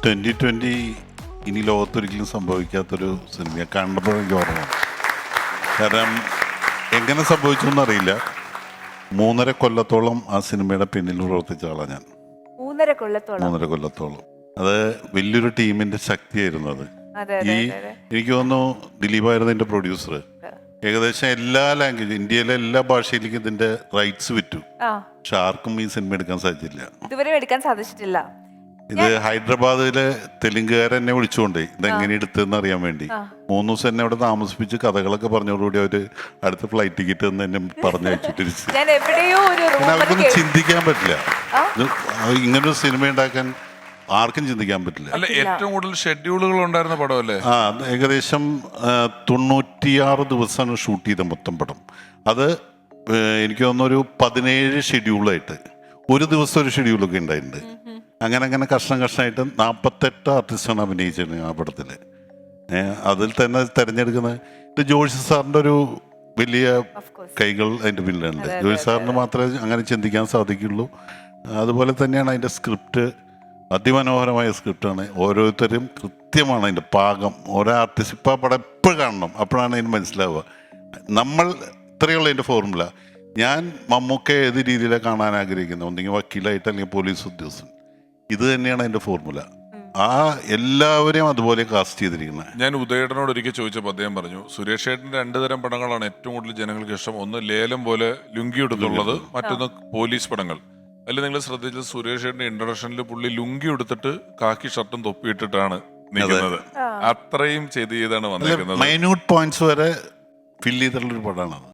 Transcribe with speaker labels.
Speaker 1: 2020 ഇനി ലോകത്തൊരിക്കലും സംഭവിക്കാത്തൊരു സിനിമ കണ്ടപ്പോൾ എനിക്ക് ഓർമ്മ. കാരണം എങ്ങനെ സംഭവിച്ചു എന്നറിയില്ല. 3.5 കൊല്ലത്തോളം ആ സിനിമയുടെ പിന്നിൽ പ്രവർത്തിച്ച ആളാണ് ഞാൻ. 3.5 കൊല്ലത്തോളം. അത് വലിയൊരു ടീമിന്റെ ശക്തിയായിരുന്നു അത്. എനിക്ക് തോന്നുന്നു ദിലീപായിരുന്നു എൻ്റെ പ്രൊഡ്യൂസർ. ഏകദേശം എല്ലാ ലാംഗ്വേജ്, ഇന്ത്യയിലെ എല്ലാ ഭാഷയിലേക്കും ഇതിന്റെ റൈറ്റ്സ് വിറ്റു. പക്ഷെ ആർക്കും ഈ സിനിമ എടുക്കാൻ സാധിച്ചില്ല. ഇത് ഹൈദരാബാദിലെ തെലുങ്കുകാരെ എന്നെ വിളിച്ചുകൊണ്ടേ ഇതെങ്ങനെ എടുത്തെന്ന് അറിയാൻ വേണ്ടി 3 ദിവസം എന്നെ അവിടെ താമസിപ്പിച്ച് കഥകളൊക്കെ പറഞ്ഞോടുകൂടി അവര് അടുത്ത ഫ്ലൈറ്റ് ടിക്കറ്റ് എന്ന് എന്നെ പറഞ്ഞു വെച്ചിട്ടിരിച്ചു. അവർക്കൊന്നും ചിന്തിക്കാൻ പറ്റില്ല. ഇങ്ങനൊരു സിനിമ ഉണ്ടാക്കാൻ ആർക്കും ചിന്തിക്കാൻ പറ്റില്ല.
Speaker 2: അല്ല, ഏറ്റവും കൂടുതൽ ഷെഡ്യൂളുകൾ ഉണ്ടായിരുന്ന പടമല്ലേ?
Speaker 1: ഏകദേശം 96 ദിവസമാണ് ഷൂട്ട് ചെയ്ത മൊത്തം പടം. അത് എനിക്ക് തോന്നുന്നു ഒരു 17 ഷെഡ്യൂളായിട്ട്, ഒരു ദിവസം ഒരു ഷെഡ്യൂളൊക്കെ ഉണ്ടായിട്ടുണ്ട്. അങ്ങനെ കഷ്ണമായിട്ട് 48 ആർട്ടിസ്റ്റാണ് അഭിനയിച്ചത് ആ പടത്തിൽ. അതിൽ തന്നെ തിരഞ്ഞെടുക്കുന്നത് ഇത് ജോഷി സാറിൻ്റെ ഒരു വലിയ കൈകൾ അതിൻ്റെ പിന്നിലുണ്ട്. ജോഷി സാറിന് മാത്രമേ അങ്ങനെ ചിന്തിക്കാൻ സാധിക്കുള്ളൂ. അതുപോലെ തന്നെയാണ് അതിൻ്റെ സ്ക്രിപ്റ്റ്. അതിമനോഹരമായ സ്ക്രിപ്റ്റാണ്. ഓരോരുത്തരും കൃത്യമാണ് അതിൻ്റെ പാകം. ഓരോ ആർട്ടിസ്റ്റ് ഇപ്പോൾ പടം എപ്പോഴും കാണണം, അപ്പോഴാണ് അതിന് മനസ്സിലാവുക. നമ്മൾ ഇത്രയുള്ള അതിൻ്റെ ഫോർമുല. ഞാൻ മമ്മൂക്കെ ഏത് രീതിയിലാണ് കാണാൻ ആഗ്രഹിക്കുന്നത്, ഒന്നെങ്കിൽ വക്കീലായിട്ട് അല്ലെങ്കിൽ പോലീസ് ഉദ്യോഗസ്ഥൻ. ഇത് തന്നെയാണ് അതിൻ്റെ ഫോർമുല. ആ എല്ലാവരെയും അതുപോലെ കാസ്റ്റ് ചെയ്തിരിക്കുന്നത്.
Speaker 2: ഞാൻ ഉദയേട്ടനോട് ഒരിക്കൽ ചോദിച്ചപ്പോൾ അദ്ദേഹം പറഞ്ഞു, സുരേഷ് ഏട്ടൻ്റെ 2 തരം പടങ്ങളാണ് ഏറ്റവും കൂടുതൽ ജനങ്ങൾക്ക് ഇഷ്ടം. ഒന്ന് ലേലം പോലെ ലുങ്കി എടുത്തുള്ളത്, മറ്റൊന്ന് പോലീസ് പടങ്ങൾ. അതിൽ നിങ്ങൾ ശ്രദ്ധിച്ചത് സുരേഷ് ഏട്ടൻ്റെ ഇൻട്രൊഡക്ഷനിൽ പുള്ളി ലുങ്കി എടുത്തിട്ട് കാക്കി ഷർട്ടും തൊപ്പിയിട്ടിട്ടാണ് നിൽക്കുന്നത്. അത്രയും ചെയ്താണ് വന്നിരിക്കുന്നത്.
Speaker 1: മൈന്യൂട്ട് പോയിന്റ്സ് വരെ ഫിൽ ചെയ്തിട്ടുള്ളൊരു പടമാണ്.